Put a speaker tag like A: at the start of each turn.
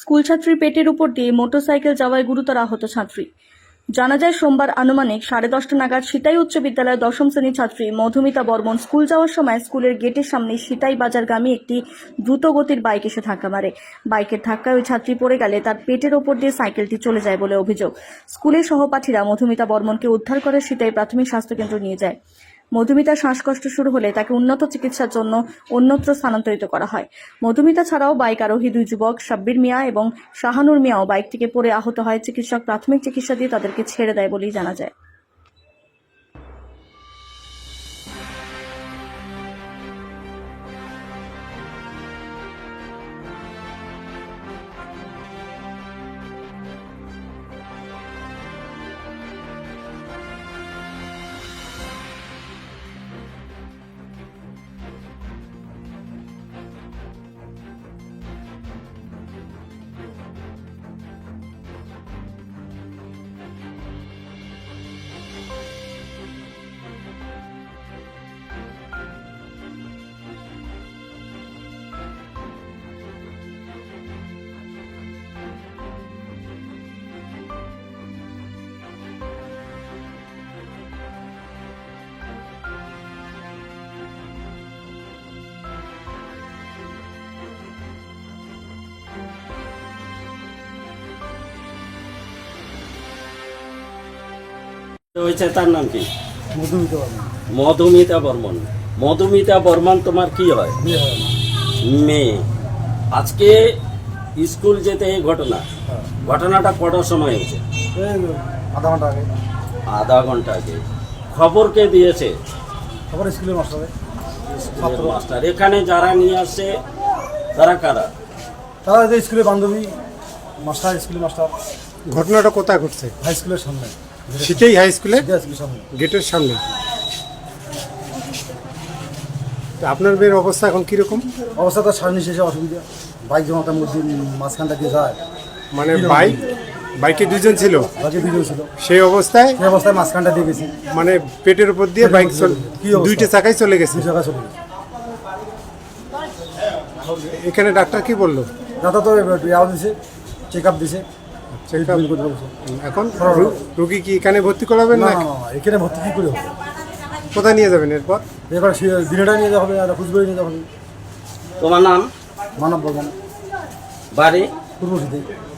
A: School ছাত্রীর পেটের উপর দিয়ে মোটরসাইকেল যাওয়ায় গুরুতর আহত ছাত্রী। জানা যায় সোমবার আনুমানিক 10:30 নাগাদ সিতাই উচ্চ বিদ্যালয়ের 10ম শ্রেণীর ছাত্রী মধুমিতা বর্মন স্কুল যাওয়ার সময় স্কুলের গেটের সামনে সিতাই বাজারগামী একটি দ্রুত গতির বাইক এসে ধাক্কা মারে। বাইকের ধাক্কায় ওই ছাত্রী পড়ে গেলে তার পেটের ওপর দিয়ে সাইকেলটি চলে যায় বলে অভিযোগ। স্কুলের সহপাঠীরা মধুমিতা বর্মনকে উদ্ধার করে সিতাই প্রাথমিক স্বাস্থ্যকেন্দ্র নিয়ে যায়। মধুমিতার শ্বাসকষ্ট শুরু হলে তাকে উন্নত চিকিৎসার জন্য অন্যত্র স্থানান্তরিত করা হয়। মধুমিতা ছাড়াও বাইক আরোহী দুই যুবক সাব্বির মিয়া এবং শাহানুর মিয়াও বাইক থেকে পড়ে আহত হয়। চিকিৎসক প্রাথমিক চিকিৎসা দিয়ে তাদেরকে ছেড়ে দেয় বলেই জানা যায়।
B: হয়েছে তার নাম কি?
C: মধুমিতা বর্মন।
B: মধুমিতা বর্মন। মধুমিতা বর্মন তোমার কি হয়?
C: বিয়ে হয় না।
B: মেয়ে। আজকে স্কুল যেতে এই ঘটনা, ঘটনাটা কটার সময় হয়েছে?
C: এই আধা ঘন্টা আগে।
B: আধা ঘন্টা আগে। খবর কে দিয়েছে?
C: খবর স্কুলের মাস্টারে।
B: স্কুলের মাস্টার। এখানে যারা নিয়ে আসছে তারা কারা?
C: তারা যে স্কুলের বান্ধবী মাস্টার, স্কুলের মাস্টার।
D: ঘটনাটা কোথায় ঘটছে?
C: হাই স্কুলের সামনে।
D: সিতাই হাই স্কুলে
C: স্কুলের সামনে।
D: গেটের সামনে। তো আপনার মেয়ের অবস্থা এখন কিরকম?
C: অবস্থা তো সামনে শেষে অসুবিধা। বাইক যখন একটা মধ্যে মাঝখানটা দিয়ে যায়,
D: মানে বাইকে দুজন ছিল,
C: বাকি দুজন ছিল,
D: সেই অবস্থায়
C: সেই অবস্থায় মাঝখানটা দিয়ে গেছি।
D: মানে পেটের উপর দিয়ে বাইক
C: কি অবস্থা?
D: দুইটা চাকায় চলে গেছে।
C: দুই জায়গায় চলে গেছে।
D: এখানে ডাক্তার কি বললো?
C: দাদা তো ইয়াও দিছে, চেক আপ দিছে।
D: Check-up?
C: এই করতে বলছে।
D: এখন রুগী কি এখানে ভর্তি করাবেন
C: না
D: না?
C: না না, এখানে ভর্তি কী করে হবে?
D: কোথায় নিয়ে যাবেন এরপর?
C: এবার দিনেটা নিয়ে যাওয়া হবে, আর কুচবিহারে নিয়ে যাওয়া হবে।
B: তোমার নাম?
C: মানব বর্মন,
B: বাড়ি?
C: পূর্ব সিদ্ধি।